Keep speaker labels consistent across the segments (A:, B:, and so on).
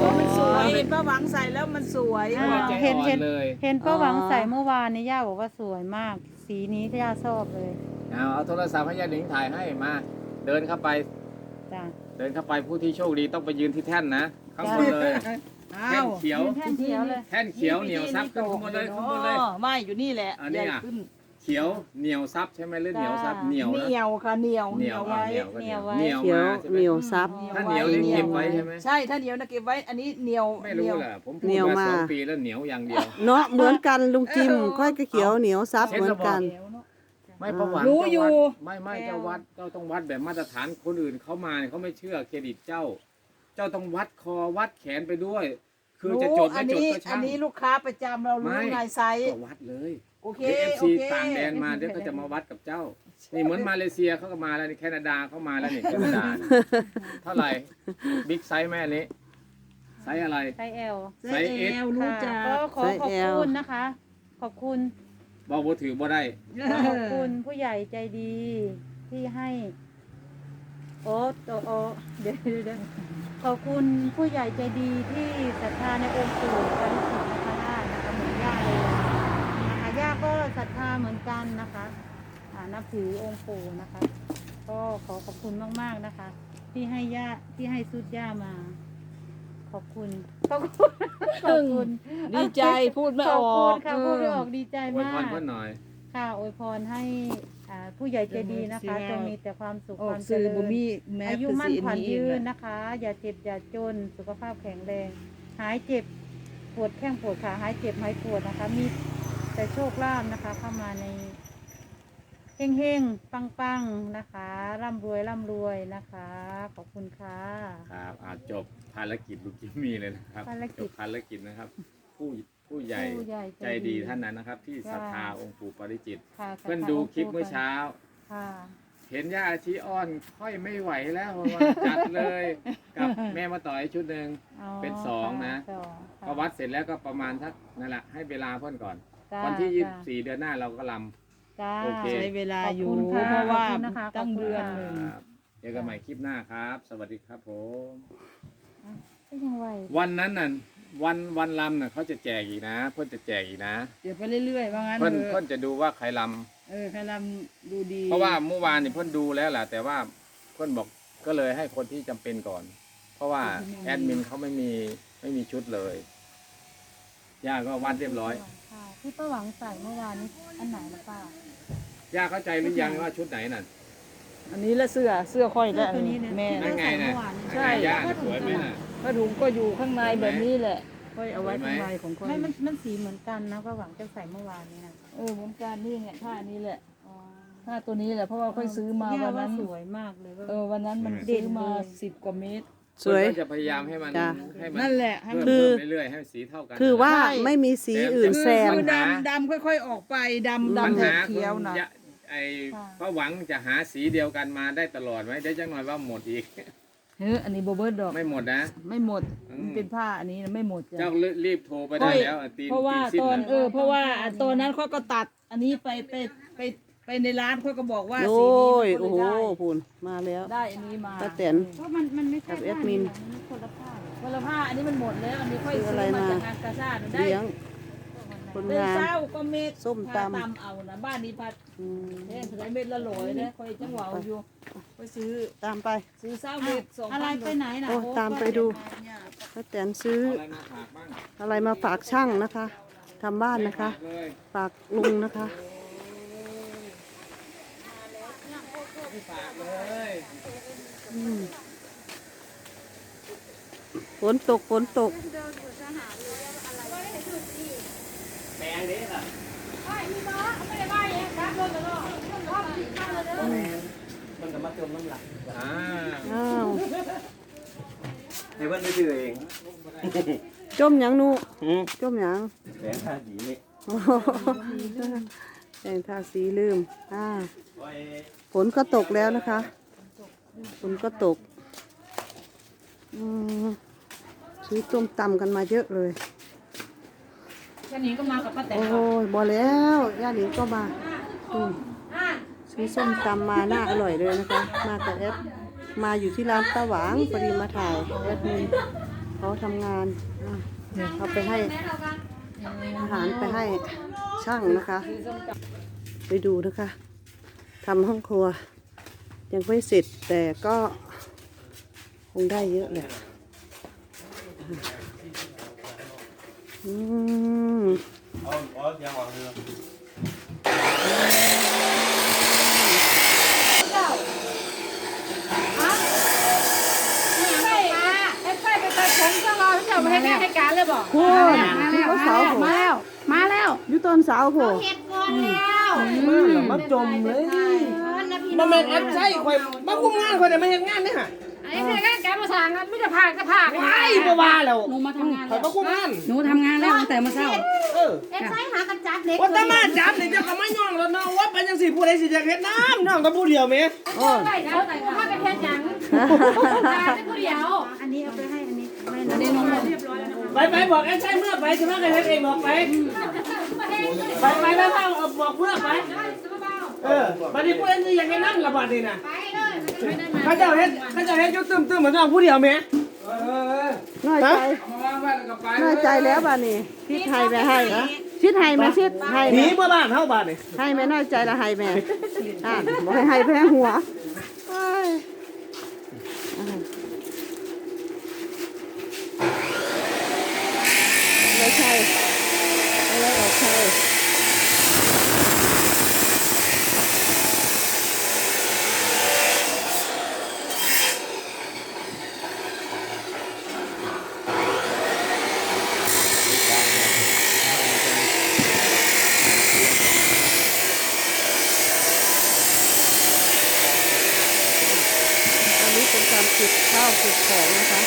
A: มันสวยเห็นป้าหวังใส่แล้วมันสวย
B: เห็น
C: เลย
B: เห็นป้าหวังใส่เมื่อวานนี้ย่าบอกว่าสวยมาก สีนี้ย่าชอบเลย
C: เอาโทรศัพท์ให้ยาหนิงถ่ายให้มา เดินเข้าไป
B: จ้ะ
C: เดินเข้าไปผู้ที่โชคดีต้องไปยืนที่แท่นนะข้างบนเลยแท่
A: อ้าน ว
C: เขียว
B: ยืนแท่นเขียวเลย
C: แท่นเขียวเหนียวซับขึ้นข้างบนเลยข้างบนเลย
A: ไม่อยู่นี่แหละ
C: อันนี้
A: ใหญ่
C: อ่ะ
A: ขึ้น
C: เขียวเหนียวซับใช่ไหมหรือเหนียวซับเหนียว
A: เห
C: นะ
A: นียวค่ะเหนียว
C: เหนียว
A: ไว้
C: เหนียวก็เหนียว
B: ไว้
C: เหนียว
D: เขียว
C: มาใช่ไหม
D: เหนียวซับ
C: ถ้าเหนียวนี่เก็บไว้ใช่ไหม
A: ใช่ถ้าเหนียวนะเก็บไว้อันนี้เหนียว
C: ไม่รู้แหละผมพู
D: เหนี
C: ด
D: ยว
C: มา
D: มา
C: 2 ปีแล้วเหนียวอย่างเดียว
D: เนาะเหมือนกันลุงจิมค่อยก็เขียวเหนียวซับเหมือนกัน
C: ไม่ประวัติ
A: รู้อยู่
C: ไม่เจ้าวัดเจ้าต้องวัดแบบมาตรฐานคนอื่นเขามาเนี่ยเขาไม่เชื่อเครดิตเจ้า เจ้าต้องวัดคอวัดแขนไปด้วย คือจะจด
A: อั
C: ไม่จด
A: นี้
C: ก็
A: อั
C: ช่าง
A: นี้ลูกค้าประจำเรารู้ไงไซส์
C: ก็วัดเลย
A: โอเค
C: เอฟ
A: โอ
C: ซี
A: เค
C: ต่างแดนมาเดี๋ยวก็จะมาวัดกับเจ้า นี่เหมือนมาเลเซียเขาก็มาแล้วนี่แคนาดาเขามาแล้วนี่แคนาดา เท่าไหร่บิ๊กไซส์แม่นี้ไซส์อะไร
B: ไซส์ L
C: ไซส์ S
A: รู้จัก
B: ก็ขอขอบคุณนะคะ ขอบคุณ
C: บอกว่าถือบ่ได้
B: ขอบคุณผู้ใหญ่ใจดีที่ให้ โอ้โอ้เดี๋ยวขอบคุณผู้ใหญ่ใจดีที่ศรัทธาในองค์ปู่ปาริจิตนคราชนะคะเหมือนย่าเลยนะคะย่าก็ศรัทธาเหมือนกันนะคะนับถือองค์ปู่นะคะ ก็ขอขอบคุณมากๆนะคะ ที่ให้ย่าที่ให้สุดย่ามา ขอบคุณขอบคุณขอบคุณ
A: ดีใจพูดไม่
B: ข
A: อ
B: อบ
A: อ
B: คุณ
A: ก
B: ค่ะพูดไม่ออกดีใจ
C: อวย
B: มา
C: พร
B: ก
C: เพื่อนหน่อย
B: ค่ะอวยพรให้ผู้ใหญ่ใจดีนะคะจงมีแต่ความสุข
A: ออ
B: ค
A: ก
B: วามเจ
A: สื่อ
B: ริ
A: บุ
B: ญ
A: มีแม้
B: อายุ
A: คือ
B: มั่น
A: สี
B: ขวัญ
A: นี้
B: ยืน
A: นะ
B: นะคะ อย่าเจ็บอย่าจนสุขภาพแข็งแรง หายเจ็บปวดแข้งปวดขาหายเจ็บหายปวดนะคะ มีแต่โชคลาภนะคะ เข้ามาในเฮงเฮงปังปังๆนะคะร่ำรวยนะคะ ขอบคุณค่ะ
C: ครับจบภารกิจลูกจิมมี่เลยนะครับ
B: ภารกิจ
C: จบภารกิจนะครับ ผู้ใหญ่
B: ผู้ใหญ่
C: ใจดีท่านนั้นนะครับ ที่ศรัทธาองค์ปู่ปาริจิต
B: ค่ะ
C: เพื่อนดูคลิปเมื่อเช้า
B: ค่ะ
C: เห็นย่าอาชีอ้อนค่อยไม่ไหวแล้วว่าจัดเลย กับแม่มาต่อยชุดหนึ่ง
B: อ๋อ
C: เป็นสองนะ
B: สองค่ะ
C: ก็วัดเสร็จแล้วก็ประมาณสักนั่นแหละให้เวลาเพื่อนก่อน
B: จ้า
C: วันที่
B: จ้า
C: 24 เดือนหน้าเราก็ล
B: จ้า
C: โอเค
A: ใช้เวลาอยู่
B: ขอบคุณค่ะ
A: เพราะว่า
B: ขอบคุณนะคะ
A: ตั้งเดือน
B: ขอบ
A: ห
B: คุ
A: นึ่
B: ณ
A: ง
B: ค่ะ
C: ครับเจอกันใหม่คลิปหน้าครับ สวัสดีครับผม
B: ก็ยังไหว
C: วันนั้นน่ะวันลำน่ะเขาจะแจกอีกนะ เพื่อนจะแจกอีกนะ
A: เดี๋ยวไปเรื่อยๆว่างั้น
C: เพื่อน
A: เถ
C: เพื่อ
A: อะ
C: นจะดูว่าใครล
A: ใครลำดูดี
C: ำเพราะว่าเมื่อวานนี่เพื่อนดูแล้วแหละแต่ว่าเพื่อนบอกก็เลยให้คนที่จำเป็นก่อน เพราะว่าแอดมินเขาไม่มีชุดเลยย่าก็วัดเรียบร้อย
B: ค่ะที่ป้าหวังใส่เมื่อวานนี้อันไหนละป้า
C: ย่าเข้าใจหรือยังว่าชุดไหนน่ะ
A: อันนี้ละเสื้อค่อยแล้ว
B: ตัวนี้เลย
A: แม่
C: นั่นไงน่ะ
A: ใช่
C: นั่นไงย่าน่ะสวยไหมน่ะ
A: ผ้าถุงก็อยู่ข้างในแบบนี้แหละค่อยเอาไว้
C: สวยไหม
A: ข้างในของค่อย
B: ไม่มันสีเหมือนกันนะป้าหวังจะใส่เมื่อวานนี้นะ
A: เหมือนกันนี่ไงผ้านี้แหละ
B: อ๋อ
A: ผ้าตัวนี้แหละเพราะว่าค่อยซื้อมา
B: ย่
A: วันนั้น
B: สวยมากเลยว่า
A: วันนั้นมัน
B: เด่
A: ซื้
B: น
A: อมา
B: เลย
A: 10 กว่าเมตร
D: สวย
C: เพื่อนก็จะพยายามให้มัน
D: จ้ะ
C: ให้มัน
A: นั่นแหละให้มัน
C: เพิ่ม
D: คือ
C: เรื่อยๆให้สีเท่ากัน
D: คือว่า
A: ใช่
D: ไม่มีสีอื่นแซม
A: คือดำค่อยๆออกไปดำ
C: ปัญ
A: ดำ
C: หา
A: เขียวๆนะ
C: ไอ้ป้าหวังจะหาสีเดียวกันมาได้ตลอดไหมได้จังหน่อยว่าหมดอีก
A: อันนี้โบเบิร์ดดอก
C: ไม่หมดนะ
A: ไม่หมด
C: อืม
A: มันเป็นผ้าอันนี้นะไม่หมดจ้ะ
C: เจ้ารีบโทรไปได้แล้วตีน
A: เพราะว่า
C: สิ้
A: ตอน
C: น่ะ
A: เพราะว่าตอนนั้นเขาก็ตัด อันนี้ไปในร้านเขาก็บอกว่า
D: โอ้
A: สีนี้
D: ย
A: มัน
D: โอ้
A: ก็
D: โห
A: เลย
D: พูนมาแล้ว
A: ได้อันนี้มา
D: ป้าแตน
B: เพราะมันไม่ใช่
D: กับแอดมิน
B: ผ้ามันคนละผ้า
A: คนละผ้าอันนี้มันหมดแล้ว อันนี้ค่อย
D: คือ
A: ซื้
D: อะไร
A: อมา
D: มา
A: จากงานกาชาดได้
D: เลี้ยงคน
A: เป็น
D: งาน
A: เจ้าก็เม็ด
D: ส้มตำ
A: พาเอานะบ้านนี้พัด
D: อืม
A: เล่นใช้เม็ดละโหลยนะค่อยจังหวะเอาอยู่ไปซื้อ
D: ตามไป
A: ซื้อเศร้าเม็ด2,000
B: อะไรไปไหนนะ
D: โอ้ตามไปดู ป้าแตนซื้อ
C: เอาอะไรมาฝากบ้าง
D: อะไรมาฝากช่างนะคะทำบ้านนะคะ
C: ฝากเลย
D: ฝากลุงนะคะ
C: ไม่ฝากเลย
D: อืมฝนตกฝนตก
C: แพงนี้ล่ะมันจะมาเติมน้ำหลัก
D: อ้าว
E: ให้เพื่อนไปซื้อเอง
D: จมหยังนูจมหยัง
E: แสนห้าสีนี่
D: โอ้โหแต่งทาสีลืมฝนก็ตกแล้วนะคะฝนก็ตกอืมซื้อต้มตำกันมาเยอะเลย
A: แค่นี้ก็มากับป้าแตน
D: โอ้ยบอแล้วย่าหนิงก็มาอืมซื้อส้มตำมาน่าอร่อยเลยนะคะ มากับแอดมาอยู่ที่ร้านตาหวางพอดีมาถ่ายแอดมินเขาทำงานเอาไปให้อาหารไปให้ช่างนะคะ ไปดูนะคะทำห้องครัว ยังไม่เสร็จแต่ก็คงได้เยอะแหละอืม
B: ให้การเลยบอก
D: พูดที่เขาสาวผม
B: มาแล้ว
D: อยู่ต้นสาวผม
E: มาจมเลย
F: มาแม่นแอปใช่ข่อยมาคุมงานข่อยแต่ไม่เห็นงานนี่ฮะ
B: อันนี้คือการมาสั่งไม่จะพากจะพาก
F: ไอ้บ่ว่าแล้ว
B: หนูมาทำงาน
F: ข่อยมาคุมงาน
B: หนูทำงานแล้วตั้งแต่เมื่อเช้า
F: เออ
G: เอ็นไซหากันจับเล็ก
F: ว่าแตมาจับนี่เจ้าก็มาย่องแล้วเนาะว่าเป็นจังซี่ผู้ใดสิอยากเฮ็ดน้ำน้องแต่ผู้เดียวแม่
D: โอ้ย
B: ไปแล้วแต่ถ้าเป็นแค่ยังเป็นผู้เดียว
G: อันนี้เอาไปให้อันนี้
B: อันนี้น้องเรียบร้อยแล้วนะคะ
F: ไปบอกแอปใช่เมื่อไปสิมากันเฮ็ดเองบอกไปไปแล้วบอกเมื่อไปเออบัดนี้ผู้ใดสิอยากเฮ็ดน้ำละบัดนี้น่ะเขาเจ้าเฮ็ดอยู่ตึ้มๆเหมือนน้องผู้เดียวแม่
D: น้อยใจน้อยใจแล้วบ้านี่ชิดให้ไปให้ชิดให้แม่ชิดให้
F: หนี
D: แม่
F: เมื่อบ้านเฮาบ้านนี่
D: ให้แม่น้อยใจละให้แม่บอกให้แพ้หัวเอ้ยไม่ใช่ไม่ออกใช่อันนี้เป็นการเก็บข้าวเก็บของนะคะ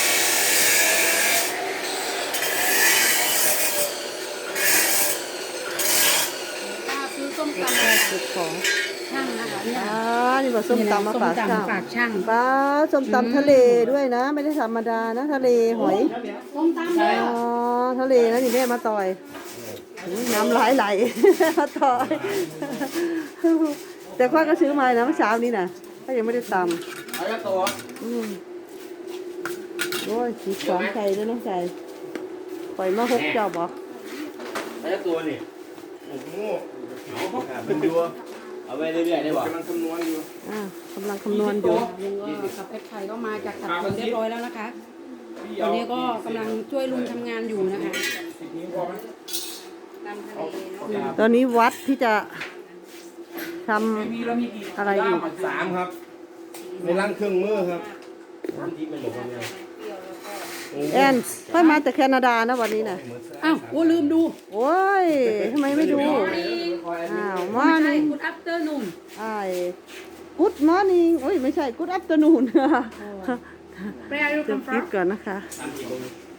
B: ซื้อส้มตำ
D: ข้าวเก็บของ
B: ช่างนะคะเนี่ย
D: นี่ว่าส้มตำมาฝากช่าง
B: ฝากช่าง
D: ปลาส้มตำทะเลด้วยนะ ไม่ได้ธรรมดานะทะเลหอย
B: ส้มตำเลย
D: อ๋อทะเลนะนี่แม่มาต่อยน้ำไหล มาต่อย แต่ข้าก็ซื้อมานะเมื่อเช้านี้นะก็ยังไม่ได้ต
F: เอาละตัว
D: ำโอ้ยสีของใส่ด้วยน้องใจปล่อยมาหกเจ้าบอก
E: ไอ้ตัวนี่โอ้โหเป็นดัวเอาไว้เรื่อยๆได้บ่กำลังคำนวณอยู่
D: กำลังคำนวณอยู่
H: ลุงก็กับเพชรไทยก็มาจากขัดผลเรียบร้อยแล้วนะคะตอนนี้ก็กำลังช่วยลุงทำงานอยู่นะคะ
D: ตอนนี้วัดที่จะทำอะไรอยู่
E: 3ครับในร่างเครื่องมือครับที่เป็นหมดแล้ว
D: แอนค่อยมาจากแคนาดานะวันนี้นะ
H: อ้าวโอ้ลืมดู
D: โอ้ยทำไมไม่ดูอ้าวมอ
H: ไม่ใช่
D: นี่
H: คุณอัปเตอร์นุ่ม
D: ไอ้กูดมอร์นิ่งโอ้ยไม่ใช่กูดอัปเตอร์นูน
H: แปลรูป
D: เดี๋ยว
H: คำฟ้า
D: คิดก่อนนะคะ
E: 3 4